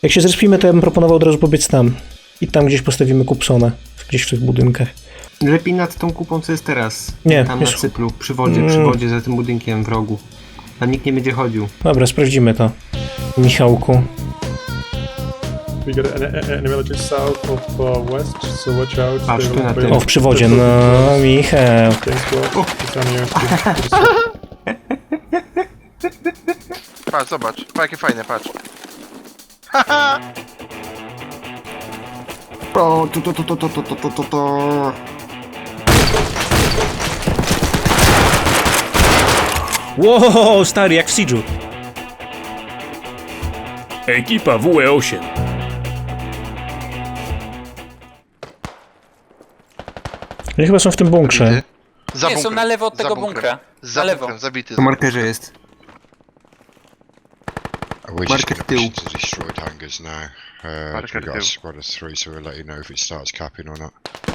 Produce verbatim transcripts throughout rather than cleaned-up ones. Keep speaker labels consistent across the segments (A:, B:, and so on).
A: Jak się zrespimy, to ja bym proponował od razu pobiec tam. I tam gdzieś postawimy Kupsona. Gdzieś w tych budynkach.
B: Lepiej nad tą kupą, co jest teraz.
A: Nie,
B: Tam
A: jest-
B: na cyplu, przy wodzie, przy
A: Mm.
B: wodzie, za tym budynkiem w rogu. Tam nikt nie będzie chodził.
A: Dobra, sprawdzimy to. Michałku.
C: We got an, an enemy just south of uh, west, so watch out.
B: Patrz,
C: They
B: tu na
C: will
B: tym.
C: be-
A: O, w przywodzie, no Michał.
C: Thanks, bro. It's on you.
D: Patrz, zobacz. Pa, jakie fajne, patrz.
B: O, to, to, to, to, to, to, to, to, to.
A: Wow, stary, jak w Siege'u. Ekipa W E osiem. Oni chyba są w tym bunkrze.
D: Zabity. Za
E: Nie, są
D: bunkrem,
E: na lewo od
D: za
E: tego
D: bunkrem.
E: bunkra.
D: Za
E: Na lewo.
D: bunkrem, zabity.
B: Po markerze jest.
F: We're just
B: Market
F: gonna
B: tył.
F: push into destroyed hangars now. Uh,
D: Market
F: we got a
D: tył.
F: squad of three, so we'll let you know if it starts capping or not.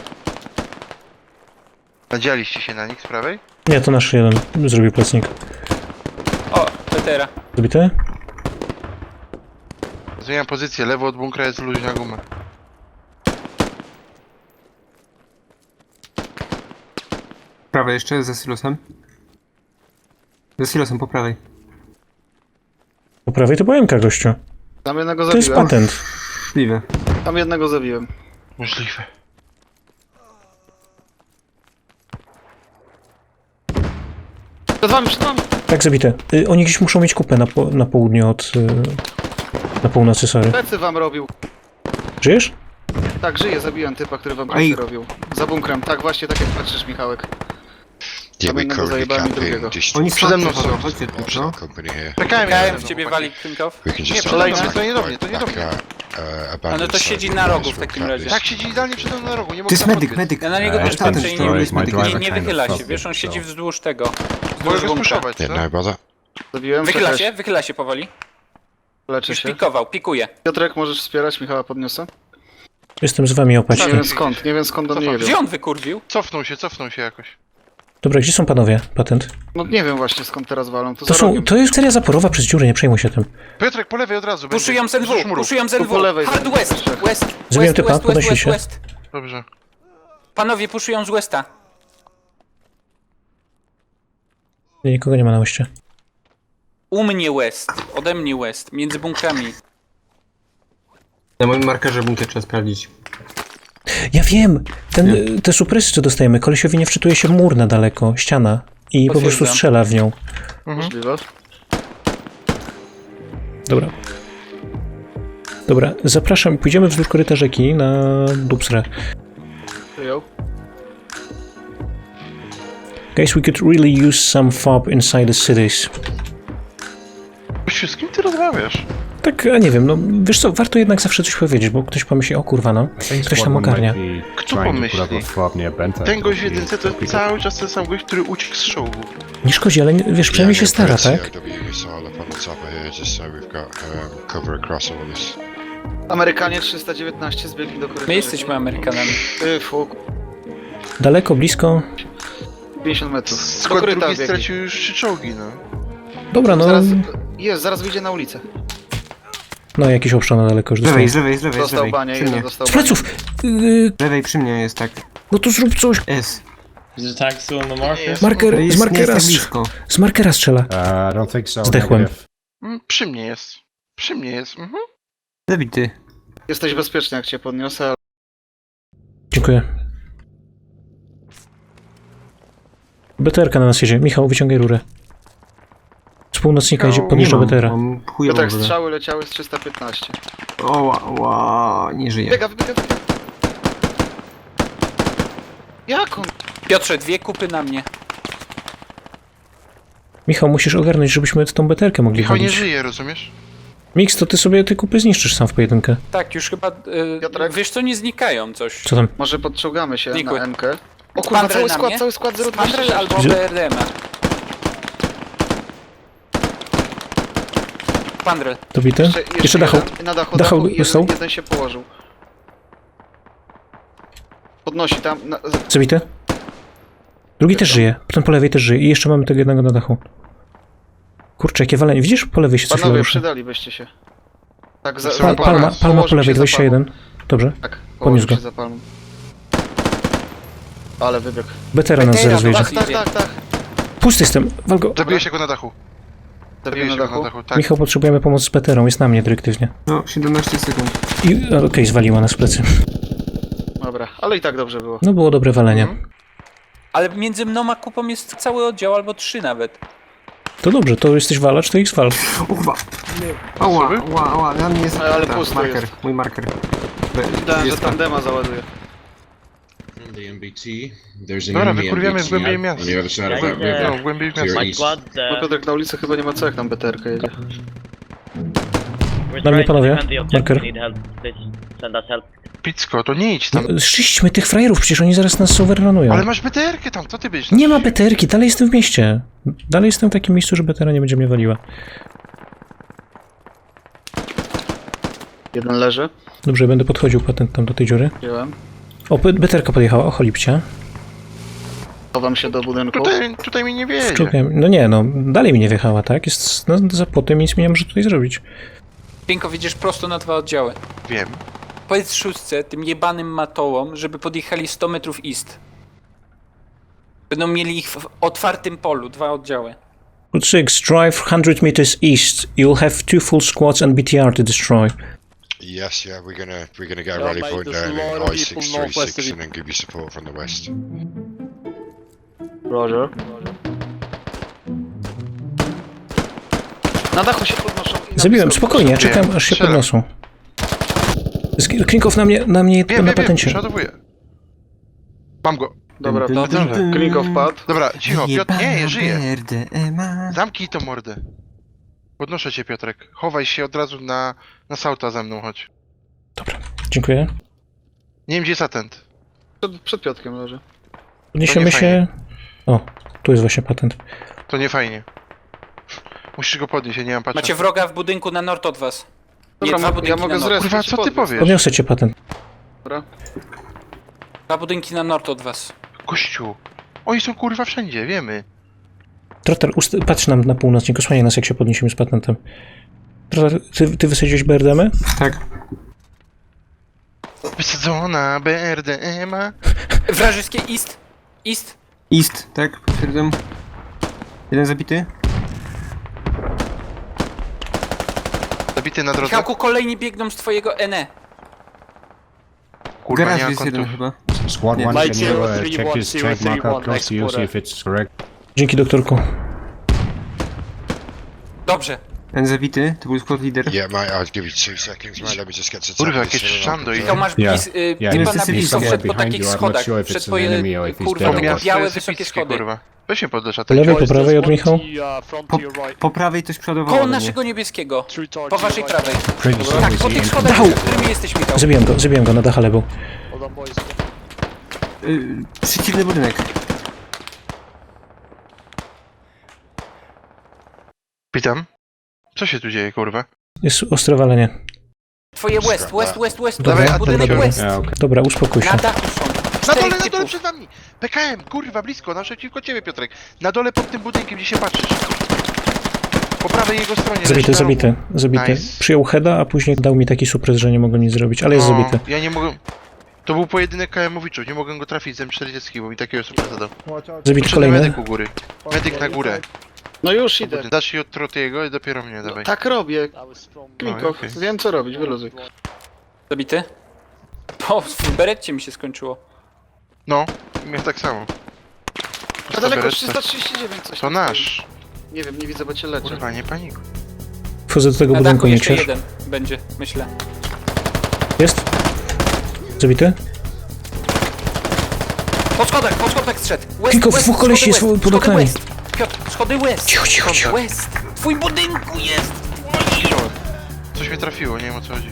D: Nadzieliście się na nich z prawej?
A: Nie, to nasz jeden. Zrobił plecnik.
E: O, Petera.
A: Zabity?
D: Zmieniam pozycję, lewo od bunkra jest luźna guma.
B: Prawej jeszcze, za silosem. Za silosem, po prawej.
A: Po prawej to byłem gościu.
G: Tam jednego
A: To jest
G: zabiłem.
A: patent.
B: Możliwe.
G: Tam jednego zabiłem.
D: Możliwe.
G: Przed wami, przed wami!
A: Tak, zabite. Y, oni gdzieś muszą mieć kupę na, po, na południu od... Y, na północy, sorry.
G: Plecy wam robił.
A: Żyjesz?
G: Tak, żyje, zabiłem typa, który wam
B: Ej.
G: plecy robił. Za bunkrem, tak właśnie, tak jak patrzysz, Michałek.
F: Yeah, we
G: jednego
F: currently
G: zajebałem i
F: capping
G: drugiego.
F: just
B: Oni
D: Przede mną
B: są,
D: są.
B: chodźcie tu,
F: opposite
B: no.
F: the company here.
D: Czekałem
E: Kałem
D: na
E: w ciebie
D: chłopaki.
E: wali Klinkow.
F: We can
D: Nie,
F: just
D: przede mną,
F: start
D: to nie do mnie,
F: right
D: to nie do
F: back
D: mnie.
F: at, uh, abandoned
E: Ale to
F: site
E: siedzi
F: where
E: na
F: the
E: rogu
F: guys
E: w
F: were
E: takim
F: capped
E: razie.
F: this.
D: Tak, siedzi idealnie przede mną na rogu, nie
B: To
D: mogę
B: jest
D: tam
B: medyk,
D: podbiec.
B: medyk.
E: Ja na niego
H: Uh,
E: też
B: tamten
E: patrzę i nie,
B: story,
H: my
E: nie,
H: driver
E: nie
H: kind of
E: wychyla się,
H: fucked
E: wiesz, on
H: it,
E: siedzi
H: so-
E: wzdłuż tego.
D: Mogę
E: Wzdłuż
D: go
E: bunkra.
D: spuszować,
F: Yeah,
D: co?
F: no bother.
G: Zabiłem,
E: Wychyla
G: czekaj,
E: się, wychyla się powoli.
G: leczę
E: Już
G: się.
E: pikował, pikuje.
G: Piotrek, możesz wspierać, Michała podniosę?
A: Jestem z wami,
G: Nie
A: opatrzcie.
G: wiem skąd, nie wiem skąd do mnie
D: Cofam.
G: jedzie.
E: Gdzie on wykurwił?
D: Cofnął się, cofnął się jakoś.
A: Dobra, gdzie są panowie? Patent.
G: No nie wiem właśnie skąd teraz walą, to,
A: To
G: za
A: są,
G: rogiem.
A: to jest seria zaporowa przez dziury, nie przejmuj się tym.
D: Piotrek, po lewej od razu.
E: Puszują z
D: będzie.
E: N
D: Wzdłuż
E: W,
D: murów.
E: puszują z
G: Tu
E: N
G: po
E: W.
G: lewej
E: Hard
G: za-
E: West,
G: trzech.
E: West,
A: Zabiłem
E: West,
A: typa,
E: West,
A: podnosi
E: West,
A: się.
E: West.
D: Dobrze.
E: Panowie, puszują z Westa.
A: Nie, nikogo nie ma na łeście.
E: U mnie West, ode mnie West, między bunkrami.
B: Na moim markerze bunkier trzeba sprawdzić.
A: Ja wiem! Ten, y, te supresy, co dostajemy, kolesiowi nie wczytuje się mur na daleko, ściana. I po prostu
E: Potwierdzam.
A: strzela w nią.
G: Możliwe.
A: Dobra. Dobra, zapraszam, pójdziemy wzdłuż koryta rzeki na Dubsrę.
G: Przyjął.
A: Guys, we could really use some fob inside the cities.
D: Gościu, z kim ty rozmawiasz?
A: Tak, a nie wiem, no wiesz co, warto jednak zawsze coś powiedzieć, bo ktoś pomyśli, o kurwa no,
H: I think
A: ktoś
H: squad
A: tam
H: one
A: ogarnia.
H: might be
D: Kto
H: trying to put up
D: pomyśli?
H: a fob near Benta.
D: Ten gość w
H: He-
D: jedynce to
H: he-
D: cały czas ten sam gość, który uciekł z czołgu.
A: Nie szkodzi, ale nie, wiesz, przynajmniej się stara, tak?
F: C O W missile up on the top of here, just so we've got um, cover across all this.
G: Amerykanie trzysta dziewiętnaście zbiegli do korytarza.
E: My jesteśmy Amerykanami.
G: Ty, fuk.
A: Daleko, blisko.
G: pięćdziesiąt metrów. Do
D: Skład
G: koryta
D: drugi
G: biegli.
D: stracił już trzy czołgi, no.
A: Dobra, no,
G: Zaraz, jest, zaraz wyjdzie na ulicę.
A: no jakiś obszar na daleko już
B: Z lewej,
A: dostaje.
B: z lewej, z lewej, z
G: Dostał
B: lewej.
G: banie,
B: Przy
G: jeden
B: mnie.
G: dostał
A: Z
G: banie.
A: pleców! Yy,
B: Z lewej przy mnie jest tak.
A: no to zrób coś.
B: S.
I: Is the tag still in the marker?
A: Marker,
B: To
A: z
B: jest, nie
A: markera,
B: jest tak
A: strz-
B: blisko.
A: z markera strzela.
H: Uh, I don't think so.
A: Zdechłem.
H: Negative.
D: Mm, Przy mnie jest. Przy mnie jest, mhm.
B: Zabity.
G: Jesteś bezpieczny jak cię podniosę, ale
A: Dziękuję. B T R-ka na nas jedzie. Michał, wyciągaj rurę. Z północnika idzie,
D: Nie
A: podjeżdża
B: Nie
A: B T R-a.
B: mam, mam chujową
G: Piotrek,
B: wodę.
G: strzały leciały z trzysta piętnaście.
B: O, ła, ła, nie żyje.
G: Biega, biega, biega. Jak on?
E: Piotrze, dwie kupy na mnie.
A: Michał, musisz ogarnąć, żebyśmy tą B T R-kę mogli
D: Michał nie
A: chodzić.
D: żyje, rozumiesz?
A: Mix, to ty sobie te kupy zniszczysz sam w pojedynkę.
E: Tak, już chyba, y,
G: Piotrek?
E: wiesz co, nie znikają coś.
A: Co tam?
G: Może podciągamy się
E: Znikły.
G: na M-kę. O kurwa,
E: Spandrel
G: cały
E: na
G: skład,
E: mnie?
G: cały skład zero
E: Spandrel
G: dwadzieścia
E: albo
G: sześć.
A: Że-
E: B R D M. Spandrel.
A: Dobity?
G: Jeszcze,
A: Jeszcze dachał.
G: jeden Na dachu,
A: Dachał
G: dachu
A: dostał?
G: jeden, jeden się położył. Podnosi tam. Na, z-
A: Zabity? Drugi też żyje. Ten po lewej też żyje. I jeszcze mamy tego jednego na dachu. Kurczę, jakie walenie. Widzisz? Po lewej się coś
G: Panowie,
A: ruszy.
G: przydalibyście się. Tak, za,
D: Pa-
G: za
A: Pal, palma,
G: palmą.
A: palma po
G: Położył
A: lewej,
G: się za
A: dwadzieścia jeden. Dobrze.
G: palmą. Tak,
A: Podniósł
G: położył
A: go.
G: się za palmą. Ale wybiegł.
A: Betera nas
E: Betera,
A: zaraz wyjdzie.
E: dobra.
G: Tak, tak, tak, tak.
A: Pusty jestem, wal go.
D: Zabiję się go na dachu.
G: Zabiję
D: Zabiję
G: na
D: się go na
G: dachu.
D: dachu, tak.
A: Michał, potrzebujemy pomocy z Beterą, jest na mnie dyrektywnie.
B: No, siedemnaście sekund.
A: I a, okej, zwaliła nas w plecy.
G: Dobra, ale i tak dobrze było.
A: No było dobre walenie.
E: Ale między mną a kupą jest cały oddział, albo trzy nawet.
A: To dobrze, to jesteś walacz, to ich zwal.
B: O chyba. Ała, ała, ała, na mnie jest
G: Ale- ale
B: ta,
G: pusto
B: marker,
G: jest.
B: mój marker. Be-
G: Dałem, że
B: jest
G: tandema załaduje.
F: From the M B T, there's an
D: Dobra,
F: enemy
D: wykurwiamy w
F: M B T
D: głębiej
F: on
D: miasta.
F: the other side of that
I: Yeah, yeah.
F: river.
D: No, głębiej w
F: To your
D: miasto.
I: My
F: east.
I: squad,
G: No
I: uh,
G: Piotrek, na ulicy chyba nie ma co, jak tam beterka jedzie.
I: we're
A: Dla mnie,
I: trying to
A: panowie.
I: defend the objective.
A: Marker.
I: We need help. Please send us help.
D: Picko, to nie idź tam.
A: Szczyćmy tych frajerów, przecież oni zaraz nas overrunują.
D: Ale masz B T R-kę tam, co ty byś?
A: Nie ma beterki, dalej jestem w mieście. Dalej jestem w takim miejscu, że betera nie będzie mnie waliła.
G: Jeden leży,
A: Dobrze, będę podchodził patent tam do tej dziury.
G: wziąłem.
A: O, be- beterka podjechała, o cholipcie.
G: Chowam się do budynku.
D: Tutaj, tutaj mi nie wiedzie.
A: Wczułem- No nie, no, dalej mi nie wjechała, tak? Jest no, za płotem, nic mi nie może tutaj zrobić.
E: Pinko, widzisz prosto na dwa oddziały.
D: Wiem.
E: Powiedz szóstce, tym jebanym matołom, żeby podjechali sto metrów east. Będą mieli ich w otwartym polu, dwa oddziały.
A: Route six, drive one hundred meters east. You'll have two full squads and B T R to destroy.
F: Yes, yeah, we're gonna we're gonna get a
J: Yeah,
F: rally
J: mate,
F: point
J: there's
F: down
J: a lot
F: in
J: of
F: I
J: people
F: six three
J: northwest of
F: six
J: you.
F: and then give you support from the west.
G: Roger. Na dachu się podnoszą. i na
A: Zabiłem,
G: blisko.
A: spokojnie, czekam aż się
D: strzelam.
A: podniosą. Sk- Klinkow na mnie, na mnie
D: Wiem,
A: na
D: wiem, wiem,
A: patencie.
D: przeładowuję. Mam go.
G: Dobra,
B: Dun,
G: to
B: dun, dun, dun.
G: Klinkow padł.
D: Dobra, cicho, Piotr, nie, żyje.
B: Merde, ema.
D: Zamknij to mordę. Podnoszę cię, Piotrek. Chowaj się od razu na, na sauta ze mną, chodź.
A: Dziękuję.
D: Nie wiem, gdzie jest atent.
G: Przed, przed Piotrkiem leży.
A: Podniesiemy
D: nie
A: się... O, tu jest właśnie patent.
D: To nie fajnie. Musisz go podnieść, ja nie mam patrzeć.
E: Macie wroga w budynku na nord od was. Nie,
G: Dobra,
E: dwa
G: ja
E: budynki
G: mogę
E: na nord.
G: zrespić
D: Kurwa,
G: i
D: co ty
G: podbiec.
D: powiesz?
A: Podniosę cię patent.
G: Dobra.
E: Dwa budynki na nord od was.
D: Kościół. Oni są kurwa wszędzie, wiemy.
A: Trotter, ust- patrz nam na północ, nie osłaniaj nas jak się podniesiemy z patentem. Trotter, ty, ty wysadziłeś B R D M y?
B: Tak.
D: Wysadzona B R D M a.
E: Wrażyskie east. East.
B: East, tak, potwierdzam. Jeden zabity.
D: Zabity na drodze.
E: Michałku, kolejni biegną z twojego N E.
D: Kurwa, nie
B: Garaż
D: mam
B: jest jeden
D: kontu.
B: chyba.
H: Squad
B: Yeah.
H: one,
J: Mike
H: can you
J: zero
H: uh,
J: three
H: check
J: one
H: his
J: zero
H: check
J: three
H: marker
J: one
H: close to you, see
J: exporter.
H: if it's correct?
A: Dzięki, doktorku.
E: Dobrze.
B: Ten zabity, to był squad leader.
F: Yeah, mate, I'll give you two seconds, mate. Let me just get to the top
D: Kurwa,
F: of this
D: jakieś
F: hill and I'll
D: szando i-
E: Michał,
F: confirm.
E: masz
H: Yeah.
E: blis, y,
H: Yeah,
E: typa
B: he's-
E: na
B: he's
E: blisko,
H: somewhere
E: wszedł po
H: behind
E: takich
H: you. I'm not
E: schodach.
H: sure if
E: Wszedł
H: it's
E: po
H: an
E: je,
H: enemy or if he's
E: kurwa,
H: dead
D: Po
H: or
E: białe,
H: what.
D: miasto jest
E: wysokie
D: epickie,
E: schody.
D: kurwa. Weź mnie podlesz, a
A: Po lewej, po prawej od Michał.
J: Uh, front
B: Po,
J: to your right.
B: po prawej coś przeładowało
E: Koło
B: do mnie.
E: naszego niebieskiego.
J: Three targets
E: Po
J: to your
E: waszej
J: right.
E: prawej.
H: Pretty soon
E: Tak,
H: we
E: po
H: see
E: tych
H: him.
E: schodach,
A: Dał.
E: z którymi jesteś, Michał.
A: Zabiłem go, zabiłem go, na dachale był.
J: Hold on, boys.
B: Y, przeciwny budynek.
D: Witam. Co się tu dzieje, kurwa?
A: Jest ostre walenie.
E: Twoje west, west, west, west.
A: Dobra,
E: Dobra, budynek
D: dobra.
E: west.
H: Yeah, okay.
A: Dobra, uspokój się.
E: Na dachu są.
D: Na dole,
E: Czterech
D: na dole
E: typów.
D: przed wami! P K M, kurwa, blisko, naprzeciwko ciebie, Piotrek. Na dole pod tym budynkiem, gdzie się patrzysz. Po prawej jego stronie.
A: Zabity,
D: leży na
A: zabity,
D: rogu.
A: zabity.
D: Nice.
A: Przyjął heada, a później dał mi taki supres, że nie mogłem nic zrobić, ale jest
D: No,
A: zabity.
D: Ja nie mogę... To był pojedynek K M owiczów, nie mogłem go trafić z M czterdzieści, bo mi takiego super zadał.
A: Zabity
D: Poszedłem
A: kolejny.
D: medyk u góry. Medyk na górę.
G: No już idę.
D: Dasz się od Trotiego i dopiero mnie dawaj.
G: Tak robię.
J: That was from...
G: Klinkow,
D: okej.
G: wiem co robić, wyluzuj.
E: Zabity? O, w berecie mi się skończyło.
D: No, mnie tak samo.
G: A daleko
D: Beretta.
G: trzysta trzydzieści dziewięć coś
D: To
G: tam
D: nasz.
G: stoi. Nie wiem, nie widzę, bo cię leczę.
D: Kurwa, nie panikuj.
A: Wchodzę do tego
E: Na
A: budynku,
E: dachu
A: nie
E: jeszcze
A: ksiesz.
E: jeden będzie, myślę.
A: Jest? Zabity?
E: Po schodach, po schodach zszedł. West,
A: Kiko,
E: west,
A: dwóch kolesi
E: schody
A: jest
E: west,
A: pod
E: schody
A: oknami.
E: west. Piotr, schody west.
A: Cicho, cicho, cicho.
E: West. W twoim budynku jest.
D: Zginąłem. Coś mnie trafiło, nie wiem o co chodzi.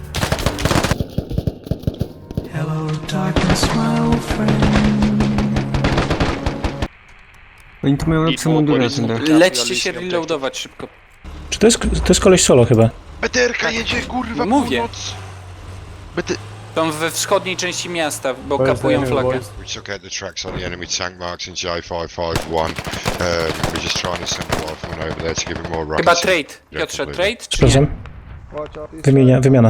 B: Oni tu mają lepsze mundury na tym dachu.
E: Lećcie się reloadować szybko.
A: Czy to jest, to jest koleś solo chyba?
D: B T R ka jedzie, kurwa,
E: Mówię.
D: północ. B T...
E: Są we wschodniej części miasta, bo
C: Where's the
E: kapują
C: enemy,
E: flagę.
C: boys?
F: We took out the tracks on the enemy tank marks in J five five one. Um, we're just trying to send a rifleman over there to give him more runs.
E: Chyba trade.
F: Yeah,
E: Piotrze,
F: completely.
E: trade czy nie?
A: Sprawdzam. Wymienia, wymiana.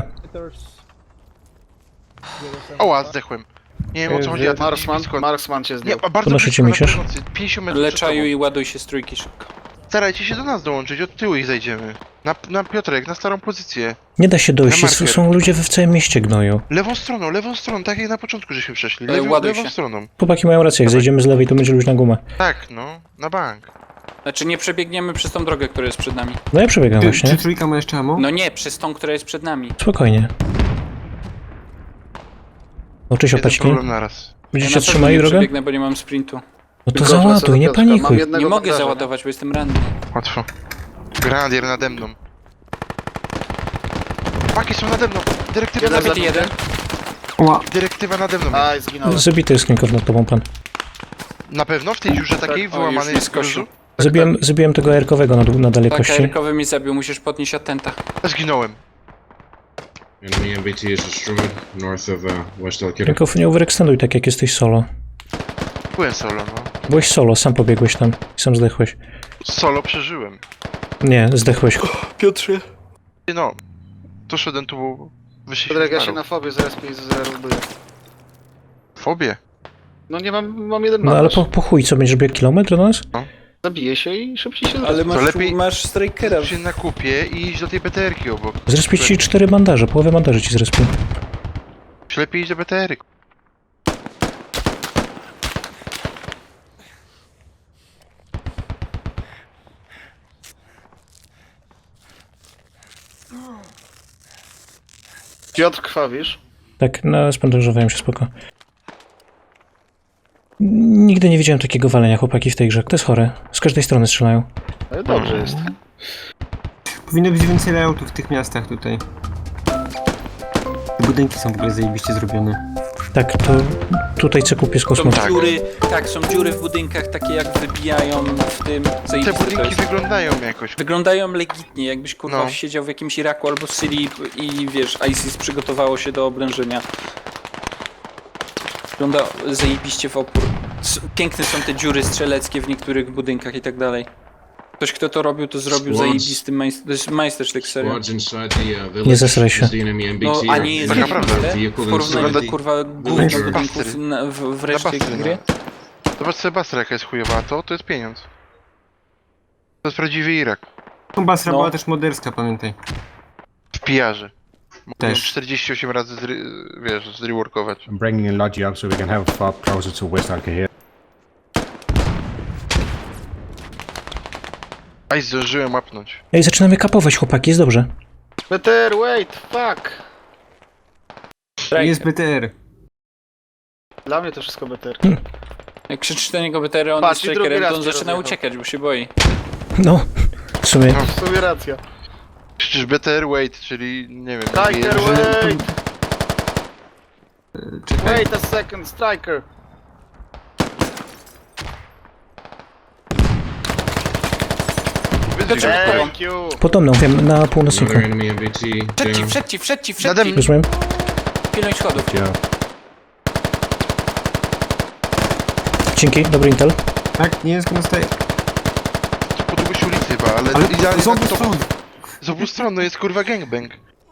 D: Oła, zdechłem. Nie wiem o co chodzi, a ten
G: Marksman,
D: blisko.
G: Marksman cię
D: Nie,
G: zdjął.
D: a bardzo
A: Podnoszycie
D: blisko, na
A: misiarz?
D: północy, pięćdziesiąt metrów przed
E: Leczają
D: tobą.
E: i ładuj się z trójki szybko.
D: Starajcie się do nas dołączyć, od tyłu ich zajdziemy. Na, na Piotrek, na starą pozycję.
A: Nie da się dojść,
D: Na
A: jest,
D: marker.
A: są ludzie we w całym mieście gnoju.
D: Lewą stroną, lewą stroną, tak jak na początku żeśmy przeszli.
E: Ej,
D: Lewą,
E: ładuj
D: lewą
E: się.
D: stroną.
A: Chłopaki mają rację, jak zejdziemy z lewej, to będzie luźna guma.
D: Tak, no, na bank.
E: Znaczy nie przebiegniemy przez tą drogę, która jest przed nami.
A: No ja przebiegam
B: Czy,
A: właśnie.
B: czy trójka ma jeszcze ammo?
E: No nie, przez tą, która jest przed nami.
A: Spokojnie. O, cześć
D: Jeden
A: opaćki.
D: problem naraz.
A: Będziecie
E: na pewno
A: trzymali
E: nie
A: drogę?
E: przebiegnę, bo nie mam sprintu.
A: No to
G: Tylko
A: załaduj,
G: wracam
A: nie
G: do Piotrka. Mam
A: panikuj.
G: jednego
E: Nie mogę
G: bandaża,
E: załadować, bo jestem ranny.
D: Łatwo. Grenadier nade mną. Paki są nade mną. Dyrektywa
G: Jeden
D: nade mną.
E: Zabity jeden.
B: Ła,
D: Dyrektywa nade mną.
G: Aj, zginąłem.
A: Zabity jest Klinkow nad tobą, pan.
D: Na pewno w tej dziurze takiej
E: O, już
D: wyłamanej
E: mnie
D: z
E: skosił.
D: gruzu?
A: Zabiłem, zabiłem tego erkowego na, dół- na
E: Tak,
A: dalekości.
E: Erkowy mi zabił, musisz podnieść atenta.
D: Zginąłem.
F: Enemy M B T is destroyed north of uh, West Alkira.
A: Klinkow, nie overextenduj tak, jak jesteś solo.
D: Byłem solo, no.
A: Byłeś solo, sam pobiegłeś tam i sam zdechłeś.
D: Solo przeżyłem.
A: Nie, zdechłeś.
E: Piotrze.
D: No. To szedłem tu, wyszliśmy
G: Piotrek, ja
D: w
G: się
D: paru.
G: na fobie zaraz pięć zero buduję.
D: Fobie.
G: No nie mam, mam jeden
A: No ale
G: bandaż.
A: po, po chuj, co, będziesz biegł kilometr do nas?
G: Zabiję się i szybciej się
E: Ale masz,
D: lepiej-
E: masz strikera.
D: się na kupie i iść do tej B T R ki obok.
A: Zrespię ci cztery bandaże, połowę bandaży ci zrespię.
D: Czy lepiej iść do B T R ki?
G: Piotr, krwawisz?
A: Tak, no spandażowałem się, spoko. Nigdy nie widziałem takiego walenia chłopaki w tej grze. To jest chore. Z każdej strony strzelają.
G: Ale dobrze jest.
B: powinno być więcej layoutów w tych miastach tutaj. Te budynki są w ogóle zajebiście zrobione.
A: Tak, to tutaj co kupię z
E: Są
A: kosmosu.
D: Tak.
E: dziury, tak, są dziury w budynkach, takie jak wybijają w tym,
D: Te
E: zajebiste to
D: budynki
E: jest.
D: wyglądają jakoś.
E: Wyglądają legitnie, jakbyś kurwa
D: No.
E: siedział w jakimś Iraku albo Syrii i wiesz, ISIS przygotowało się do oblężenia. Wygląda zajebiście w opór. S- Piękne są te dziury strzeleckie w niektórych budynkach i tak dalej. Ktoś, kto to robił, to zrobił
F: Squads.
E: zajebisty majster, to jest majstersztyk, serio.
F: Squads inside the uh, village.
A: Nie zesraj się.
F: is the enemy M B T
E: No, a
F: or
E: nie jest
D: Tak naprawdę.
E: zajebiste
F: vehicle
E: w porównaniu do
F: inside.
E: kurwa głównych
D: Basty.
E: budynków na, w, w
D: Na
E: reszcie
D: basty,
E: gry.
D: no. Zobacz sobie Basra jaka jest chujowa, a to, to jest pieniądz. To jest prawdziwy Irak.
B: Basra
E: No.
B: była też moderska, pamiętaj.
D: W pijarze. Mogą
B: Też.
D: czterdzieści osiem razy, zry, wiesz, zreworkować.
H: I'm bringing in Logi up so we can have fob closer to West Alkahir.
D: Aj, zdążyłem łapnąć.
A: Ej, zaczynamy kapować chłopaki, jest dobrze.
G: Peter, wait, fuck!
B: Jest B T R.
G: Dla mnie to wszystko Peter.
E: Jak krzyczysz do niego B T R, on
G: Patrz,
E: jest
G: i drugi
E: trackerem, to
G: raz
E: on
G: mnie
E: zaczyna
G: rozjechał.
E: uciekać, bo się boi.
A: No, w sumie.
D: No.
G: W sumie racja.
D: Przecież B T R wait, czyli nie wiem.
G: Striker,
D: że-
G: wait!
B: Czekaj.
G: Wait a second, Striker!
D: Wyzdwig go.
G: Thank you!
A: Podobną, wiem, na północniku.
F: Another enemy M B T
E: Przed ci,
F: down.
E: przed ci, przed ci,
D: Nade
E: przed ci!
D: mną.
A: Rozumiem?
E: Pilnuj schodów.
H: Joe.
A: Dzięki, dobry intel.
B: Tak, nie jest na staje.
D: Po długość ulicy chyba, ale,
B: Ale
D: idealnie
B: z obu
D: na to-
B: stron.
D: Z obu stron, no jest kurwa gangbang.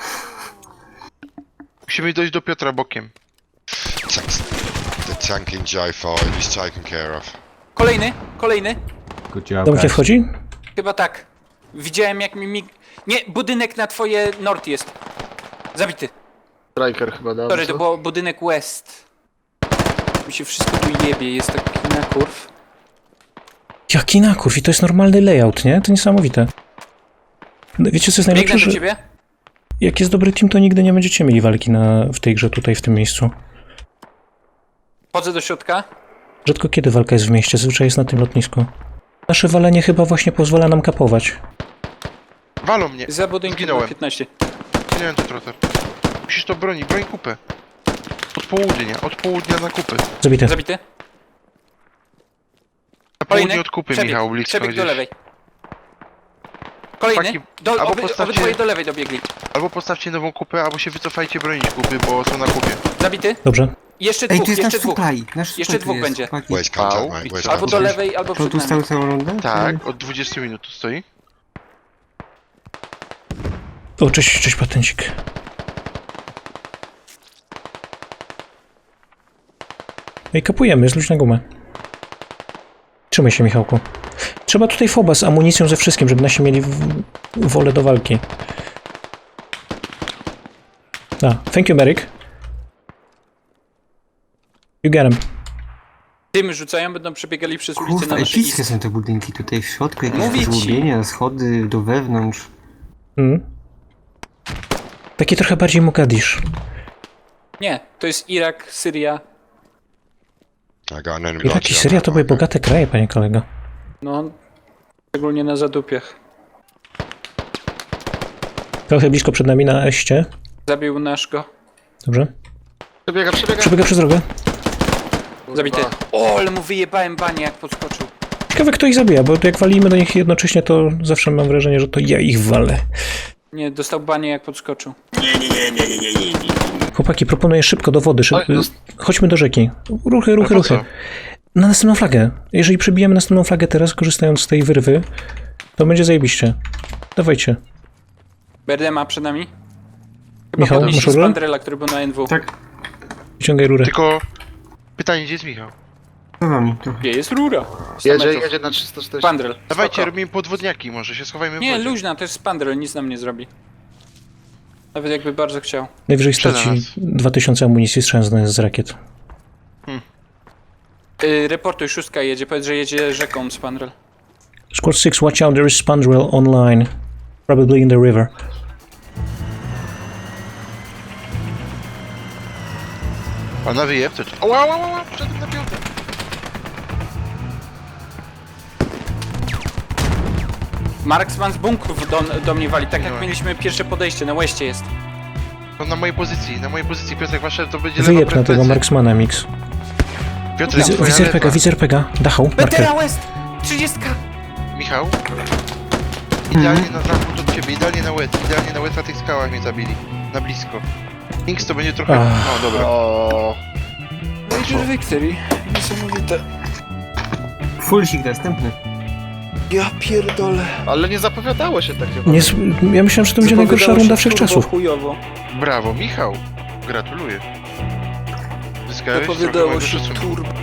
D: Musimy dojść do Piotra bokiem.
F: Tanks- The tank in J five is taken care of.
E: Kolejny, kolejny.
H: Good job,
A: Dom gdzie
H: guys.
A: wchodzi?
E: Chyba tak. Widziałem jak mi mig... Nie, budynek na twoje nord jest. Zabity.
G: Striker chyba dał.
E: Sorry,
G: co?
E: to był budynek west. Mi się wszystko tu jebie, jest taki na kurw.
A: Jaki nakurw, i to jest normalny layout, nie? To niesamowite. No, wiecie co jest najlepsze,
E: Biegnę do
A: że
E: ciebie.
A: jak jest dobry team, to nigdy nie będziecie mieli walki na, w tej grze, tutaj, w tym miejscu.
E: Wchodzę do środka.
A: Rzadko kiedy walka jest w mieście, zazwyczaj jest na tym lotnisku. Nasze walenie chyba właśnie pozwala nam kapować.
D: Walą mnie.
E: Za budynkiem
D: Zginąłem.
E: na piętnaście.
D: Zginąłem to trochę. Musisz to bronić, broń kupę. Od południa, od południa na kupę.
A: Zabite.
E: Zabity.
D: Na
E: Kolejny.
D: południe od kupy,
E: Przebieg,
D: Michał, blisko
E: przebieg do
D: gdzieś.
E: lewej. Kolejny.
D: Chłopaki,
E: Do,
D: albo
E: oby,
D: postawcie-
E: obydwoje do lewej dobiegli.
D: Albo postawcie nową kupę, albo się wycofajcie bronić kupy, bo są na kupie.
E: Zabity.
A: Dobrze.
E: Jeszcze
B: Ej,
E: dwóch,
B: tu jest nasz
E: jeszcze dwóch.
B: supply. Nasz
E: Jeszcze
B: supply
E: dwóch
B: tu jest,
E: będzie.
B: chłopaki.
F: Where's contact,
D: Au.
F: mate?
D: I
F: Where's
D: co?
E: Albo do
F: contact?
E: lewej, albo
B: To tu
E: przed nami.
B: stały całą rundę?
D: Tak, od dwudziestu minut tu stoi.
A: O, cześć, cześć patencik. Ej, kapujemy, jest luźna guma. Trzymaj się, Michałku. Trzeba tutaj foba z amunicją, ze wszystkim, żeby nasi mieli w... wolę do walki. A, thank you, Merrick. You get him.
E: Dymy rzucają, będą przebiegali przez ulicę
B: Kurwa,
E: na nasze
B: epickie
E: ist.
B: są te budynki tutaj w środku, jakieś
E: Mówię ci.
B: zgłubienia, schody do wewnątrz.
A: Mm. Taki trochę bardziej Mogadisz.
E: Nie, to jest Irak, Syria.
F: I got an enemy
A: Irak i
F: launcher on
A: Syria
F: that
A: to były
F: marker.
A: bogate kraje, panie kolego.
E: No, szczególnie na zadupiach.
A: Trochę blisko przed nami na eście.
E: Zabił nasz go.
A: Dobrze.
G: Przebiega, przebiega.
A: Przebiega przez drogę.
G: Kurwa.
E: Zabity. O, ale mu wyjebałem banie, jak podskoczył.
A: Ciekawe, kto ich zabija, bo jak walimy do nich jednocześnie, to zawsze mam wrażenie, że to ja ich walę.
E: Nie, dostał banie, jak podskoczył.
A: Chłopaki, proponuję szybko do wody. Szyb...
G: Oj, no-
A: Chodźmy do rzeki. Ruchy, ruchy,
D: po
A: ruchy.
D: co?
A: Na następną flagę. Jeżeli przebijemy następną flagę teraz, korzystając z tej wyrwy, to będzie zajebiście. Dawajcie.
E: B R D ma przed nami. Chyba
A: Michał,
E: podnieśli
A: masz rurę?
E: Spandrela, który był na N W.
B: Tak,
A: Wyciągaj rurę.
D: Tylko pytanie, gdzie jest Michał?
B: za wami trochę.
E: Gdzie jest rura? sto
G: Jedzie,
E: metrów.
G: jedzie na trzysta czterdzieści.
E: Spandrel.
D: Dawajcie,
G: Spoko.
D: robimy podwodniaki, może się schowajmy w
E: Nie,
D: wodzie.
E: luźna, to jest Spandrel, nic nam nie zrobi. Nawet jakby bardzo chciał.
A: Najwyżej
D: Przed
A: straci
D: nas.
A: dwa tysiące amunicji strzelając z rakiet.
E: Yy, reportuj, szóstka jedzie, powiedz, że jedzie rzeką Spandrel.
A: Squad six, watch out, there is Spandrel online. Probably in the river.
D: A na wyjeb to... Ała, ała, ała, wszedłem na piątę.
E: Marksman z bunkrów do, do mnie wali, tak jak
D: Nie.
E: mieliśmy pierwsze podejście, na westie jest.
D: On na mojej pozycji, na mojej pozycji, Piotrek, wasze to będzie
A: Wyjeb
D: lewa
A: na tego
D: plecy.
A: Marksmana, Mix.
D: Piotrek,
A: Widzę,
D: twoja
A: widzę R P G,
D: lewa.
A: widzę R P G. Dachał, marker.
E: Betera West! trzydziestka!
D: Michał? Idealnie na zachód od ciebie, idealnie na west, idealnie na west na tych skałach mnie zabili. Na blisko. Inks to będzie trochę...
A: Ach.
D: No dobra.
G: O,
E: Major Victory. Niesamowite.
B: Fullsik następny.
E: Ja pierdolę.
G: ale nie zapowiadało się takie.
A: Nie, s- ja myślałem, że to będzie najgorsza runda wszechczasów.
E: chujowo.
D: Brawo, Michał. Gratuluję. Zyskałeś trochę
E: Zapowiadało
D: mojego
E: się
D: szacunku.
E: turbo.